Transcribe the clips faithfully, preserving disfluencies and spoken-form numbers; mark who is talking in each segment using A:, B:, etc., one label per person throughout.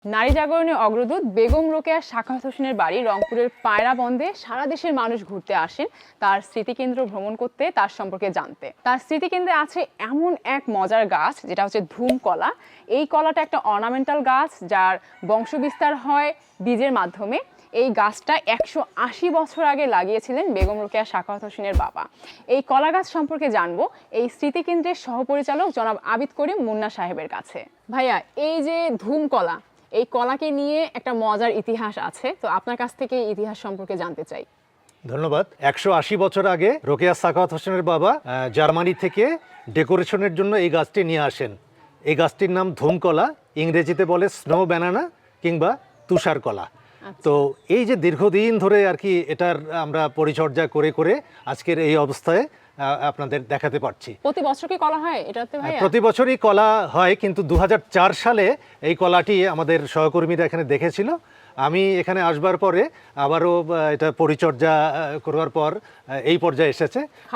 A: নারী জাগরণের অগ্রদূত বেগম রোকেয়া সাখাওয়াত হোসেনের বাড়ি রংপুরের পায়রাবন্দে সারা দেশের মানুষ ঘুরতে আসেন তার স্মৃতিকেন্দ্র ভ্রমণ করতে, তার সম্পর্কে জানতে। তার স্মৃতিকেন্দ্রে আছে এমন এক মজার গাছ যেটা হচ্ছে ধুম কলা। এই কলাটা একটা অর্নামেন্টাল গাছ যার বংশবিস্তার হয় বীজের মাধ্যমে। এই গাছটা একশো আশি বছর আগে লাগিয়েছিলেন বেগম রোকেয়া সাখাওয়াত হোসেনের বাবা। এই কলা গাছ সম্পর্কে জানবো এই স্মৃতিকেন্দ্রের সহপরিচালক জনাব আবিদ করিম মুন্না সাহেবের কাছে। ভাইয়া, এই যে ধুম কলা, এই কলাকে নিয়ে একটা মজার ইতিহাস আছে, তো আপনার কাছ থেকে এই ইতিহাস সম্পর্কে জানতে চাই।
B: ধন্যবাদ। একশো আশি বছর আগে রোকেয়া সাখাওয়াত হোসেনের বাবা জার্মানি থেকে ডেকোরেশনের জন্য এই গাছটি নিয়ে আসেন। এই গাছটির নাম ধুম কলা, ইংরেজিতে বলে স্নো ব্যানানা কিংবা তুষার কলা। তো এই যে দীর্ঘদিন ধরে আর কি এটার আমরা পরিচর্যা করে করে আজকের এই অবস্থায় আপনাদের দেখাতে পারছি।
A: প্রতি বছর কি কলা হয় এটাতে ভাইয়া?
B: প্রতি বছরই কলা হয়, কিন্তু দু হাজার চার সালে এই কলাটি আমাদের সহকর্মীরা এখানে দেখেছিল। আমি এখানে আসবার পরে আবারও এটা পরিচর্যা করার পর এই পর্যায়ে এসেছে।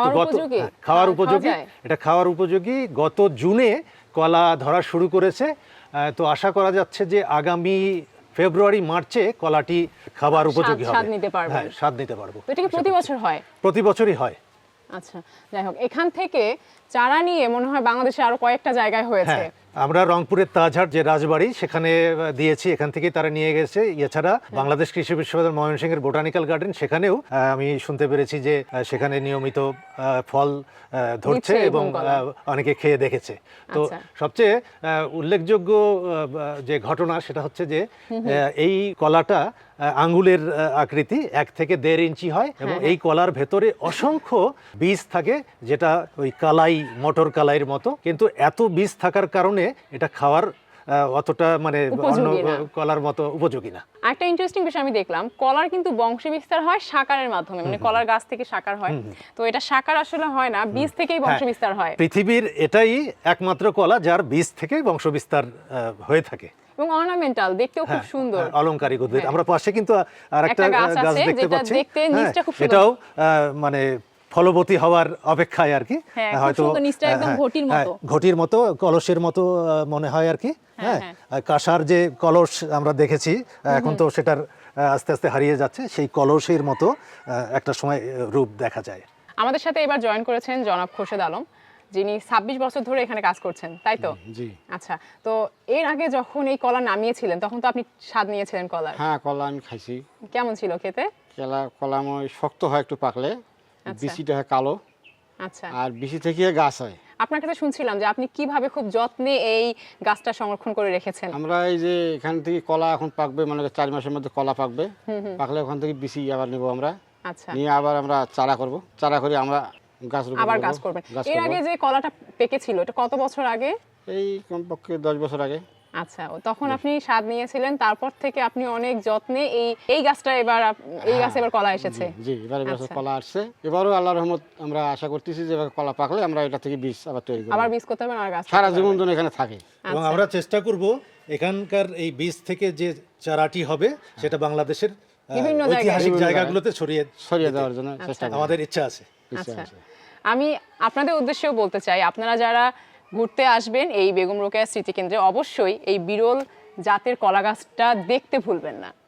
B: খাওয়ার উপযোগী, এটা খাওয়ার উপযোগী। গত জুনে কলা ধরা শুরু করেছে। তো আশা করা যাচ্ছে যে আগামী ফেব্রুয়ারি মার্চে কলাটি খাবার উপযোগী হবে।
A: স্বাদ নিতে পারবো।
B: হ্যাঁ, স্বাদ নিতে পারবো।
A: এটা কি প্রতি বছর হয়?
B: প্রতি বছরই হয়।
A: আচ্ছা, যাই হোক, এখান থেকে চারা নিয়ে মনে হয় বাংলাদেশে আরো কয়েকটা জায়গায় হয়েছে।
B: আমরা রংপুরের তাজহাট যে রাজবাড়ি সেখানে দিয়েছি, এখান থেকে তারা নিয়ে গেছে। এছাড়া বাংলাদেশ কৃষি বিশ্ববিদ্যালয় ময়মনসিংহের বোটানিক্যাল গার্ডেন, সেখানেও আমি শুনতে পেরেছি যে সেখানে নিয়মিত ফল ধরছে এবং অনেকে খেয়ে দেখেছে। তো সবচেয়ে উল্লেখযোগ্য যে ঘটনা সেটা হচ্ছে যে এই কলাটা আঙ্গুলের আকৃতি, এক থেকে দেড় ইঞ্চি হয় এবং এই কলার ভেতরে অসংখ্য বীজ থাকে, যেটা ওই কালাই, মটর কালাইয়ের মতো। কিন্তু এত বীজ থাকার কারণে এটা খাওয়ার অতটা মানে অন্য কলার মতো উপযোগী না।
A: একটা ইন্টারেস্টিং বিষয় আমি দেখলাম, কলার কিন্তু বংশবিস্তার হয় শাকারের মাধ্যমে, মানে কলার গাছ থেকে শাকার হয়। তো এটা শাকার আসলে হয় না, বীজ থেকেই বংশবিস্তার হয়।
B: পৃথিবীর এটাই একমাত্র কলা যার বীজ থেকে বংশবিস্তার হয়ে থাকে
A: এবং অর্নামেন্টাল, দেখতেও খুব সুন্দর,
B: অলংকারিক উদ্ভিদ। আমরা পাশে কিন্তু আরেকটা গাছ দেখতে পাচ্ছি, এটাও মানে ফলবতী হওয়ার অপেক্ষায় আর কি।
A: হয়তো
B: ঘটির মতো, কলসের মতো মনে হয় আর কি। হ্যাঁ, কাঁসার যে কলস আমরা দেখেছি, এখন তো সেটার আস্তে আস্তে হারিয়ে যাচ্ছে, সেই কলসের মতো একটা সময় রূপ দেখা যায়।
A: আমাদের সাথে এবার জয়েন করেছেন জনাব খোরশেদ আলম, যিনি ছাব্বিশ বছর ধরে এখানে কাজ করছেন, তাই তো?
C: জি।
A: আচ্ছা, তো এর আগে যখন এই কলা নামিয়েছিলেন তখন তো আপনি স্বাদ নিয়েছিলেন কলার?
C: হ্যাঁ, কলা আমি খাইছি।
A: কেমন ছিল খেতে?
C: কলা কলা শক্ত হয় একটু পাকলে, বিচিটা হয় কালো।
A: আচ্ছা,
C: আর বিচি থেকে গাছ হয়।
A: আপনার কাছে শুনছিলাম যে আপনি কিভাবে খুব যত্নে এই গাছটা সংরক্ষণ করে রেখেছেন।
C: আমরা এই যে এখান থেকে কলা এখন পাকবে, মানে চার মাসের মধ্যে কলা পাকবে, পাকলে ওখান থেকে বিচি আবার নেব আমরা।
A: আচ্ছা,
C: নিয়ে আবার আমরা চারা করব, চারা করে আমরা গাছ রোপণ
A: আবার গাছ করবেন। এর আগে যে কলাটা পেকেছিল এটা কত বছর আগে?
C: এই কমপক্ষে দশ বছর আগে।
A: আচ্ছা, তখন আপনি স্বাদ নিয়েছিলেন, তারপর থেকে আপনি অনেক যত্নে এই এই গাছটা এবার এই গাছে এবার কলা এসেছে।
C: জি, এবার গাছে কলা আসছে। এবারও আল্লাহর রহমত আমরা আশা করতেছি যে এবার কলা পাকলে আমরা এটা থেকে বীজ আবার তৈরি করব,
A: আবার বীজ করতে হবে আর গাছ
C: সারা জীবন ধরে এখানে থাকে।
B: এবং আমরা চেষ্টা করব এখানকার এই বীজ থেকে যে চারাটি হবে সেটা বাংলাদেশের
A: বিভিন্ন
B: ঐতিহাসিক জায়গাগুলোতে ছড়িয়ে
C: ছড়িয়ে দেওয়ার জন্য চেষ্টা করব,
B: আমাদের ইচ্ছা আছে।
A: আচ্ছা, আমি আপনাদের উদ্দেশ্যেও বলতে চাই, আপনারা যারা ঘুরতে আসবেন এই বেগম রোকেয়া স্মৃতিকেন্দ্রে অবশ্যই এই বিরল জাতের কলা গাছটা দেখতে ভুলবেন না।